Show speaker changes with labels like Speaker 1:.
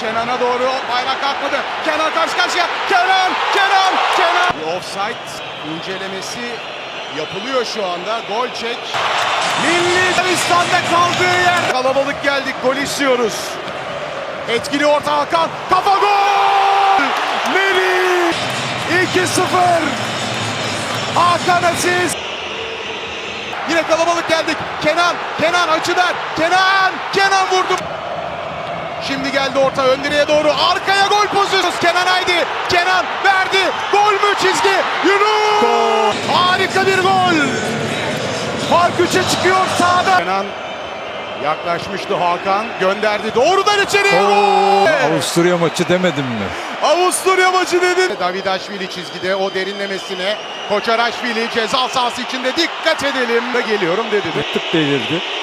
Speaker 1: Kenan'a doğru bayrak kalkmadı. Kenan karşı karşıya. Kenan. Bir offside incelemesi yapılıyor şu anda. Gol çek. Milli Arabistan'da kaldığı yer. Kalabalık geldik. Gol istiyoruz. Etkili orta Hakan. Kafa gol! Melih! 2-0. Hakan asist. Yine kalabalık geldik. Kenan açıdan. Kenan vurdu. Şimdi geldi orta ön direğe doğru. Arkaya gol pozisyonu. Kenan haydi. Kenan verdi. Gol mü çizgi? Yunus! Harika bir gol. Fark 3'e çıkıyor sağda. Kenan yaklaşmıştı Hakan. Gönderdi. Doğrudan içeriye.
Speaker 2: Avusturya maçı demedim mi?
Speaker 1: Avusturya maçı dedin. Davidaşvili çizgide o derinlemesine. Koçaraşvili ceza sahası içinde dikkat edelim. Geliyorum dedi.
Speaker 2: Tık delirdi.